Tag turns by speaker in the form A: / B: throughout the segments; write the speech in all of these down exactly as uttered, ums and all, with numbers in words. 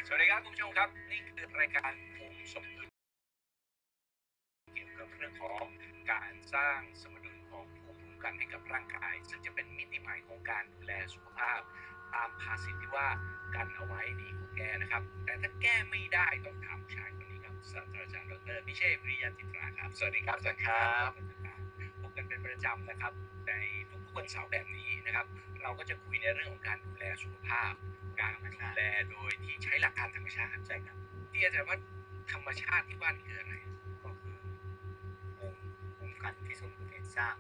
A: สวัสดีครับคุณผู้ชมครับนี่คือรายการภูมิสมดุลเกี่ยวกับเรื่องของการสร้างสมดุลของภูมิคุ้มกันให้กับร่างกายซึ่งจะเป็นมิติใหม่ของการดูแลสุขภาพตามภาษิตที่ว่ากันเอาไว้ดีกว่าแก้นะครับแต่ถ้าแก้ไม่ได้ต้องถามผู้ชายคนนี้ครับศาสตราจารย์ดรพิเชษฐ์วิริยะจิตราครับสวัสดีครับอาจารย์ครับพบกันเป็นประจำนะครับในทุกๆวันเสาร์แบบนี้นะครับเราก็จะคุยในเรื่องของการดูแลสุขภาพการดูแลโดยที่ใช้หลักการธรรมชาติใช่ครับที่อาจารย์ว่าธรรมชาติที่ว่านี่คืออะไร
B: ก็คือภูมิคุ้มกันที่สมดุลสร้าง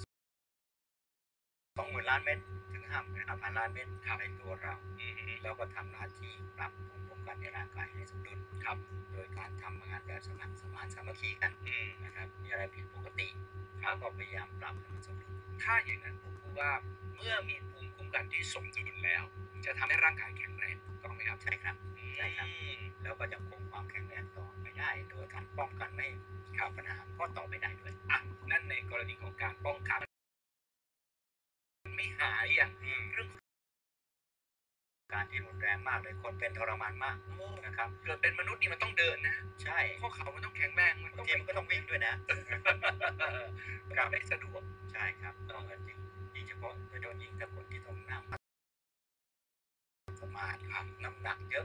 B: สองหมื่นล้านเม็ดถึงห้าหมื่นห้าพันล้านเม็ดในตัวเราแล้วก็ทำหน้าที่ปรับภูมิคุ้มกันในร่างกายให้สมดุลครับโดยการทำงานแบบสมัครสมานสามัคคีกันนะครับมีอะไรผิดปกติเราก็พยายามปรับให้มันสมดุล
A: ถ้าอย่างนั้นผมพูดว่าเมื่อมีภูมิคุ้มกันที่สมดุลแล้วจะทำให้ร่างกายแข็งแรงถูกต้องไหมครับ
B: ใช่ครับใช่ครับแล้วก็ยังคงความแข็งแรงต่อไปได้โดยการป้องกันไม่ให้ข่าวปัญหาก็ต่อไปได้ด้วย
A: อ่ะนั่นในกรณีของการป้องกันไม่หายอย่างเรื่อง
B: การที่รุนแรงมากเลยคนเป็นทรมานมากนะครับ
A: เกิดเป็นมนุษย์นี่มันต้องเดินนะ
B: ใช่
A: ข้อเข่ามันต้องแข็งแรงมันต้อง
B: ทีมันก็ต้องวิ่งด้วยนะ
A: การได้สะดวก
B: ใช่ครับต้องจริงยิ่งเฉพาะโดยเฉพาะยิ่งถ้าคนที่ต้องนั่งสมาธิน้ำหนักเยอะ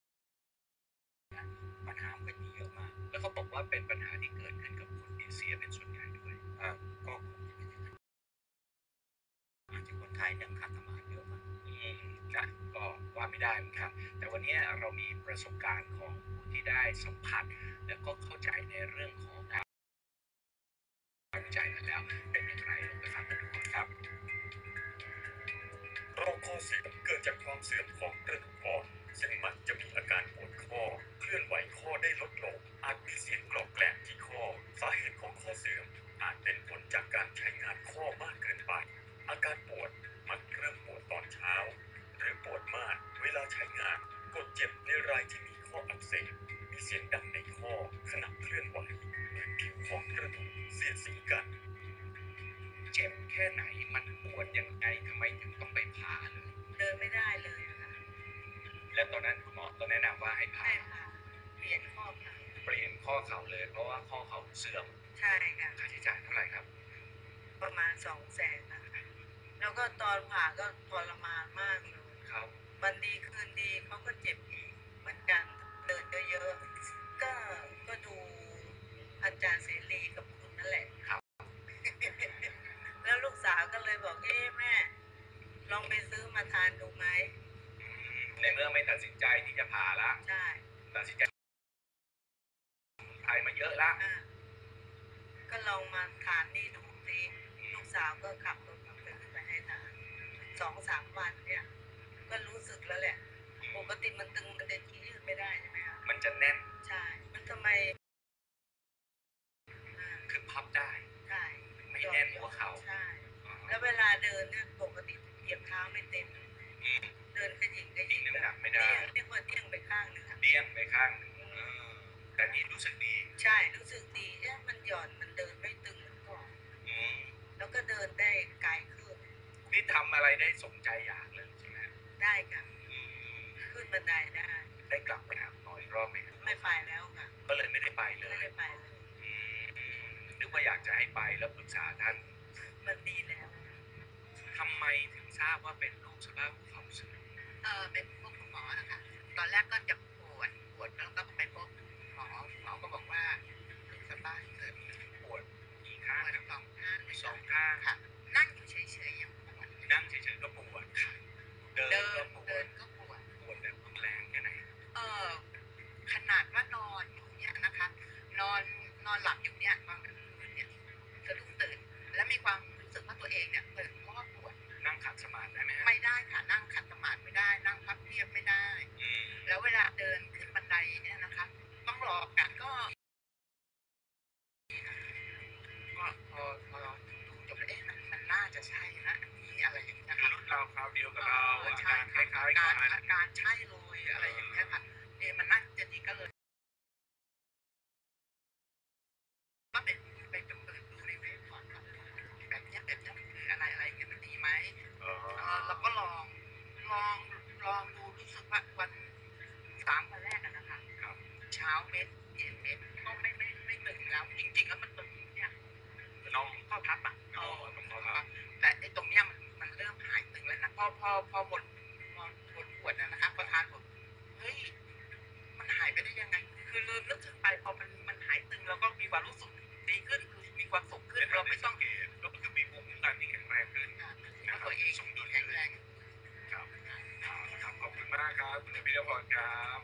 B: ปัญหามันมีเยอะมาก
A: แล้วเขาบอกว่าเป็นปัญหาที่เกิดขึ้นกับคนเอเชียเป็นส่วนใหญ่ด้วย
B: อ่าก็อาจจะคนไทยเนี่ยขาดสมาธิเยอะมาก
A: อืมนะก็ว่าไม่ได้เหมือนกันแต่วันนี้เรามีประสบการณ์ของผู้ที่ได้สัมผัสแล้วก็เข้าใจในเรื่องของการวิจัยมาแล้วเป็นอย่างไรลองไปฟังกันดูครับ
C: โรคข้อเสื่อมเกิดจากความเสื่อมของกระดูกอ่อนซึ่งมักจะมีอาการปวดข้อเคลื่อนไหวข้อได้ลดลงอาจมีเสียงกรอบแกรบที่ข้อสาเหตุของข้อเสื่อมอาจเป็นผลจากการใช้งานข้อมากเกินไปอาการปวดมักเริ่มปวดตอนเช้าหรือปวดมากเวลาใช้งานกดเจ็บในรายที่มีข้ออักเสบมีเสียงดังในข้อขณะเคลื่อนไหวเหมือนผิวของกระดูกเสียดสีกัน
A: เจ็บแค่ไหนมันปวดยังไงทำไมถึงต้องไปผ่าเลย
D: เดินไม่ได้เลยค่ะ
A: แล้วตอนนั้นคุณหมอก็แนะนำว่าให้ผ่า
D: ให้ผ่าเปลี่ยนข้อเข่า
A: เปลี่ยนข้อเข่าเลยเพราะว่าข้อเข่าเสื่อม
D: ใช่ค่ะ
A: ค่าใช้จ่ายเท่าไหร่ครับ
D: ประมาณสองแสนค่ะแล้วก็ตอนผ่าก็ทรมานมากเลย
A: ครับ
D: วันดีคืนดีเขาก็เจ็บอีกเหมือนกันเดินเยอะๆก็ก็ดูอาจารย์เสรีกับคุณนั่นแหละ
A: ครับ
D: แล้วลูกสาวก็เลยบอกเอ๊ะแม่ลองไปซื้อมาทานดูไหม
A: ในเมื่อไม่ตัดสินใจที่จะผ่าละ
D: ใช่
A: ตัดสินใจไทยมาเยอะละ
D: ก็ลองมาทานนี่ดูสิลูกสาวก็ขับรถมาซื้อไปให้ทานสองสามวันเนี่ยก็รู้สึกแล้วแหละปกติมันตึงมันจะยืดไม่ได้ใช่ไหมคะ
A: มันจะแน่น
D: ใช่มันทำไม
A: คือพับได้
D: ใช่
A: ไม่แน่นหัวเข่า
D: ใช่แล้วเวลาเดินเนี่ยปกติเหยียบเท้าไม่เต็มเดินขยิงขยิง
A: น้ำหนักไม่ได้
D: เรียกว่าเตี้ยงไปข้างหนึ่ง
A: เตี้ยงไปข้างหนึ่งแต่นี่รู้สึกดี
D: ใช่รู้สึกดีเอ๊ะมันหย่อนมันเดินไม่ตึงเหมือนก่อนแล้วก็เดินได้ไกลขึ้น
A: นี่ทำอะไรได้สมใจอยากเลยใช่ไหม
D: ได้ค่ะขึ้นบันไดได้
A: ได้กลับไปหาหมออีกรอบไหม
D: ไม่ไปแล้วค่ะ
A: ก็เลยไม่ได้ไปเลย
D: ไม่ได้ไปเลย
A: นึกว่าอยากจะให้ไปแล้วปรึกษาท่าน
D: มันดีแล้ว
A: ทำไมถึงทราบว่าเป็นโรคสภาพหัวเข่าเสื่อม
D: เออเป็นพวกคุณหมอนะคะตอนแรกก็จะปวดปวดแล้วก็ไปพบหมอหมอก็บอกว่าลูกสบายเกิด
A: ปวดกี่ข้าง
D: สองข้าง
A: สองข้าง
D: ค่ะนั่งอยู่เฉยๆยังปวด
A: นั่งเฉยๆก็ปวด
D: เดินก็ปวดเดินก็ปวด
A: ปวดแบบแรงแค่ไหน
D: เออขนาดว่านอนอยู่เนี่ยนะคะนอนนอนหลับอยู่เนี่ยบางคืนเนี่ยสะดุ้งตื่นแล้วมีความรู้สึกว่าตัวเองเนี่ยตื่นเพราะว่าปวด
A: นั่งขัดสมาธิได้ไหม
D: ไม่ได้ค่ะนั่งขัดสมาธิไม่ได้นั่งพับเพียบไม่ได้แล้วเวลาเดินขึ้นบันไดเนี่ยนะคะต้องรอกันก็ก็พอพอดูจบแล้วเอ๊ะมันมันน่าจะใช่นะอันนี้อะไรอย่างนี้นะคะ
A: รุ่นเราคราวเดียวกับเรา
D: อาการคล้ายๆกันอาการใช่เลยอะไรอย่างเงี้ยค่ะเอ๊ะมันน่าจะดีก็เลย
E: เม็ดเจ็ดเม็ดก็ไม่ไม่ไม่ตึงแล้วจริงๆแล้วมันตึงเนี่ยน้องข้อพับอ่ะเออตรงข้อพับแต่ไอ้ตรงเนี้ยมันมันเริ่มหายตึงแล้วนะพอพอพอหมดพอหมดขวดนะครับพอทานหมดเฮ้ยมันหายไปได้ยังไงคือลืมนึกถึงไปพอมันมันหายตึงแล้วก็มีความรู้สึกดีขึ้นมีความสุขขึ้นเราไม่ต้อง
A: ก็คือมีภูมิคุ้มกันที่แข็งแรงขึ้น
E: แล้วตัวเองสมดุลแข็งแรง
A: ครับครับขอบคุณมากครับคุณพิรพรครับ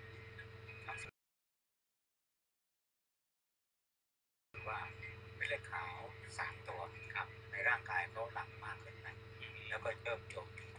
B: ว่าเป็นเลือดขาวสามตัวครับในร่างกายเขาหลั่งมากขึ้นไปแล้วก็เริ่มโจมตี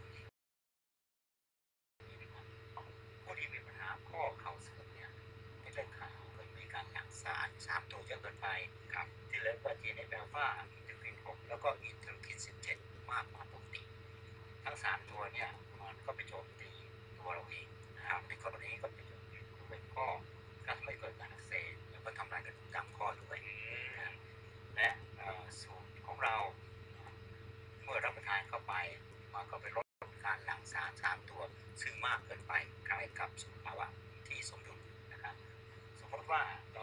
B: ผู้ที่มีปัญหาข้อเข่าเสื่อมเนี่ยเป็นเลือดขาวเกิดมีการหลั่งสารสามตัวเยอะเกินไปครับที่เรียกว่า ที เอ็น เอฟ อัลฟา อินเทอร์คินหกแล้วก็อินเทอร์คินสิบเจ็ดมากกว่าปกติทั้งสามตัวเนี่ยมันก็ไปโจมตีตัวเราเองนะครับในกรณีก็เป็นเป็นข้อก็ทำให้เกิดการอักเสบแล้วก็ทำลายกระดูกตามข้อด้วยและสูตรของเราเมื่อรับประทานเข้าไปมันก็ไปลดการหลั่งสารสามตัวซึ่งมากเกินไปกลายกับสภาวะที่สมดุลนะครับสมมติว่าเรา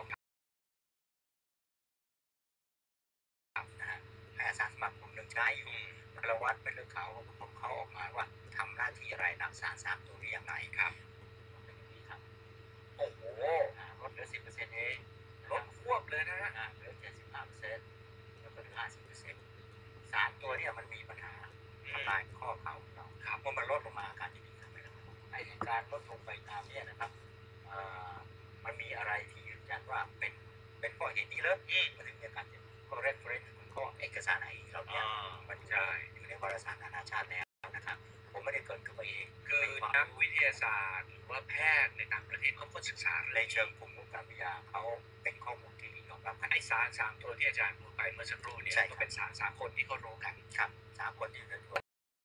B: นะฮะแพทย์สารสมัครกลุ่มหนึ่งใช้อยู่เราวัดเป็นเลือดขาวของเขาออกมาว่าทำหน้าที่อะไรหลั่งสารสามตัวนี้อย่างไรครับเป็นอย่างนี้ครับโอ้โหลดเหลือสิบเปอร์เซ็นต์เอง
A: ลดควบเลยนะฮะ
B: เหลือเจ็ดสิบห้าเปอร์เซ็นต์แล้วก็เหลือห้าสิบเปอร์เซ็นต์สารตัวนี้มันมีปัญหาทำลายข้อเข่าเราครับเมื่อมันลดลงมาการจะดีขึ้นไปแล้วไอ้การลดลงไปตามนี้นะครับมันมีอะไรที่ยืนยันว่าเป็นเป็นข้อเหตุนี้เลยมันถึงมีการเจ็บข้อ reference ข้อเอกสารไหนเราเนี่ยมันจะอยู่ในวารสารนานาชาติแล้วนะครับผมไม่ได้เกิดขึ้นมาเอง
A: คือนักวิทยาศาสตร์หรือว่าแพทย์ในต่างประเทศเขาก็ศึกษา
B: ในเชิงภูมิคุ้มกันวิทยาเขาเป็นข้อมูลที่ยอมรับกัน
A: ไอ้สารสามตัวที่อาจารย์พูดไปเมื่อสักครู่เนี่ยก็เป็นสารสามคนที่เขารู้กัน
B: ครับสามคนที่เป็นตัว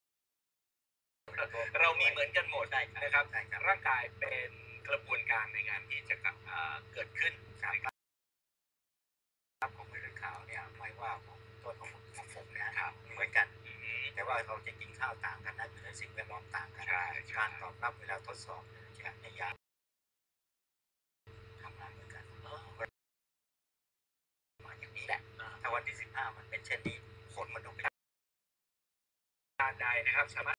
A: เรามีเหมือนกันหมดนะครับร่างกายเป็นกระบวนการในการที่จะเกิดขึ้น
B: ครับของเลือดขาวเนี่ยไม่ว่าของต้นของของผมเนี่ยเหมือนกันแต่ว่าเราจะกินข้าวต่างกันนะอยู่ในสิ่งแวดล้อมต่างกันการตอบรับเวลาทดสอบในยาทำงานเหมือนกันมาอย่างนี้แหละถ้าวันที่สิบห้ามันเป็นเช่นนี้ผลมันต้องเป็น
A: การใดนะครับสามารถ